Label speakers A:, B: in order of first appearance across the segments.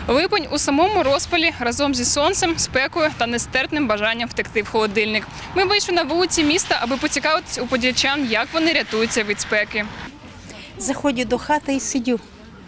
A: Липень у самому розпалі разом зі сонцем, спекою та нестерпним бажанням втекти в холодильник. Ми вийшли на вулиці міста, аби поцікавитись у подільчан, як вони рятуються від спеки.
B: Заходжу до хати і сидю.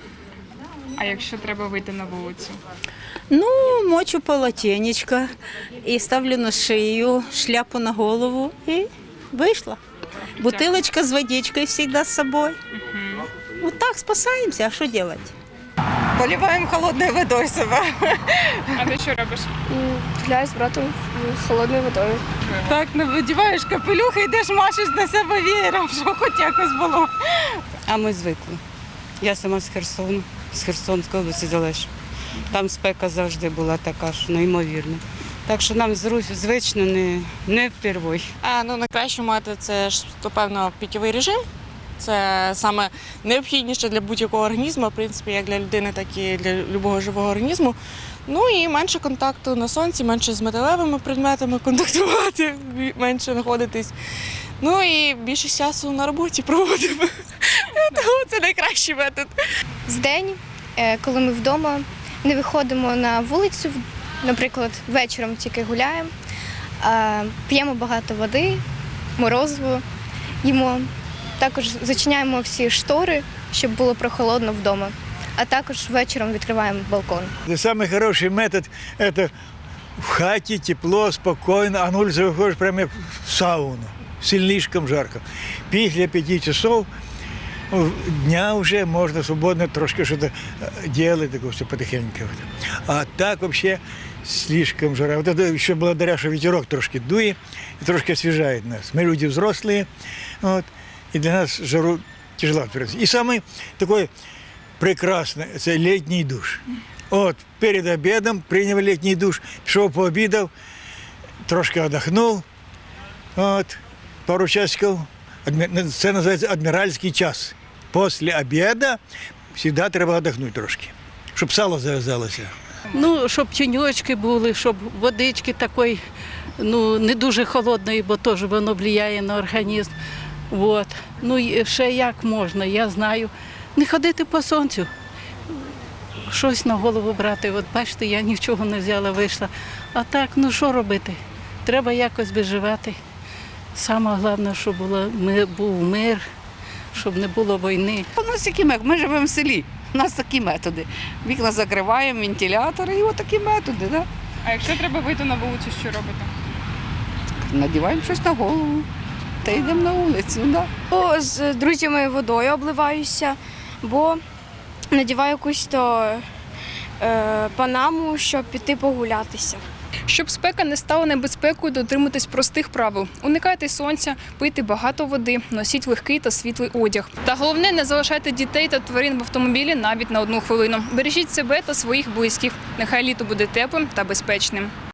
A: А якщо треба вийти на вулицю?
B: Ну, мочу полотенечко і ставлю на шию, шляпу на голову і вийшла. Бутилочка з водичкою завжди з собою. Вот так спасаємося, а що робити?
C: Поливаем холодной водой себя.
A: А ти що робиш?
D: Гуляю з братом холодною водою.
C: Так, надіваєш капелюх і йдеш, машеш на себе веєром, щоб хоч якось було.
E: А ми звикли. Я сама з Херсону, з Херсонської області залежу. Там спека завжди була така, що неймовірна. Так що нам звично не впервой.
F: Найкращий метод – це ж, певно, питєвий режим. Це саме необхідніше для будь-якого організму, в принципі, як для людини, так і для будь-якого живого організму. Ну і менше контакту на сонці, менше з металевими предметами контактувати, менше знаходитись. Ну і більше часу на роботі проводимо. Тому це найкращий метод.
D: Вдень, коли ми вдома, не виходимо на вулицю, наприклад, вечором тільки гуляємо, п'ємо багато води, морозиво їмо. Також зачиняємо всі штори, щоб було прохолодно вдома. А також вечором відкриваємо балкон.
G: Самый хороший метод – это в хате тепло, спокойно, а на улице выходишь прямо как в сауну, слишком жарко. Після 5 часов дня уже можно свободно трошки что-то делать, такое все потихоньку. А так вообще слишком жара. Вот это еще благодаря, что ветерок трошки дует и трошки освежает нас. Мы люди взрослые, вот, и для нас жару тяжело отпереться. И самый такой прекрасный – это летний душ. Вот, перед обедом принял летний душ, пошел пообедал, трошки отдохнул, вот, пару часиков. Це називається адміральський час. Після обіду завжди треба віддохнути трошки, щоб сало зав'язалося.
H: Ну, щоб тіньочки були, щоб водички такої, не дуже холодної, бо теж воно впливає на організм. Вот. Ну, і ще як можна, я знаю. Не ходити по сонцю, щось на голову брати. От бачите, я нічого не взяла, вийшла. А так, що робити? Треба якось виживати. Саме головне, щоб був мир, щоб не було війни.
I: У нас такі методи, ми живемо в селі, у нас такі методи. Вікна закриваємо, вентилятори і отакі методи. Да?
A: А якщо треба вийти на вулицю, що робите?
I: Надіваємо щось на голову та йдемо на вулицю. Да?
D: З друзями водою обливаюся, бо надіваю якусь панаму, щоб піти погулятися.
A: Щоб спека не стала небезпекою, дотримуйтесь простих правил. Уникайте сонця, пийте багато води, носіть легкий та світлий одяг. Та головне, не залишайте дітей та тварин в автомобілі навіть на 1 хвилину. Бережіть себе та своїх близьких. Нехай літо буде теплим та безпечним.